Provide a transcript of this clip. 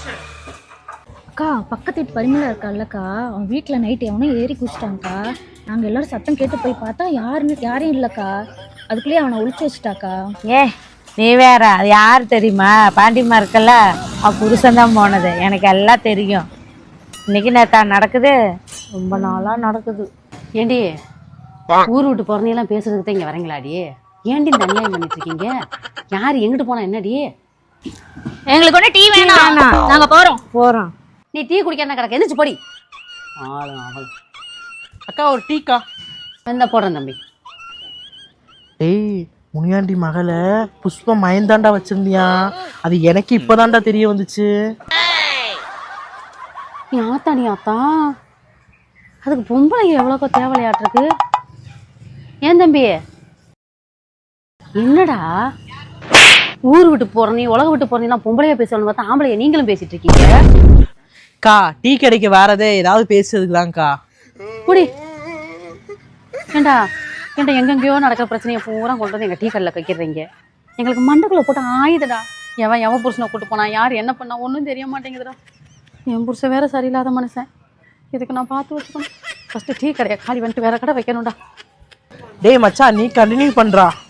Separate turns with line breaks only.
அக்கா பக்கத்து வீட்டு பரிமளா இருக்கால்லக்கா, அவன் வீட்டில் நைட்டு எவனோ ஏறி குடிச்சிட்டாங்க்கா. நாங்கள் எல்லாரும் சத்தம் கேட்டு போய் பார்த்தா யாரையும் இல்லைக்கா. அதுக்குள்ளேயே அவனை ஒழிச்சு வச்சுட்டாக்கா.
ஏ நீ வேற, அது யார் தெரியுமா? பாண்டிமா இருக்கல்ல, அவன் புருஷன்தான் போனது. எனக்கு எல்லாம் தெரியும். இன்னைக்கு நேத்தா நடக்குது, ரொம்ப நாளா நடக்குது.
ஏண்டி ஊர் விட்டு பிறந்தையெல்லாம் பேசுறதுக்கு தான் இங்கே வரீங்களாடி? ஏண்டி இந்த அநியாயம் பண்ணிட்டு இருக்கீங்க? யார் எங்கிட்டு போனா என்னடி?
எங்களுக்கு ஒன்று டீ வேணாம், நாங்கள் போகிறோம்.
நீ டீ குடிக்காம கிடக்க, எந்திரிச்சு போடி. ஆளும் அவள்.
அக்கா ஒரு டீக்கா.
இந்த போடுறேன் தம்பி.
ஏய் முனியாண்டி மகளை புஷ்பம் மயந்தாண்டா வச்சிருந்தியா? அது எனக்கு இப்பதான்டா தெரிய வந்துச்சு.
நீ ஆத்தா அதுக்கு பொம்பளை எவ்வளோக்கோ தேவையாட்டிருக்கு. ஏன் தம்பி என்னடா ஊர் விட்டு போற நீ உலக விட்டு போறீங்கன்னா பொம்பளையா பேசணும்னு பார்த்தா ஆம்பளைய நீங்களும் பேசிட்டு இருக்கீங்க.
கா டீ கடைக்கு வேறதே ஏதாவது பேசுறதுக்குதான்க்கா.
புடி ஏண்டா எங்கெங்கயோ நடக்கிற பிரச்சனையை பூரா கொண்டு வந்து எங்க டீ கடையில் வைக்கிறீங்க. எங்களுக்கு மண்டக்குள்ள போட்டு ஆயுதடா. எவன் புருஷனை கூட்டு போனா, யார் என்ன பண்ணா ஒன்றும் தெரிய மாட்டேங்குதுடா. என் புருஷன் வேற சரியில்லாத மனுஷன். இதுக்கு நான் பார்த்து வச்சுக்கணும். ஃபர்ஸ்ட் டீ கடையை காலி வந்துட்டு வேற கடை வைக்கணும்டா.
டேய் மச்சான், நீ கண்டினியூ பண்றா.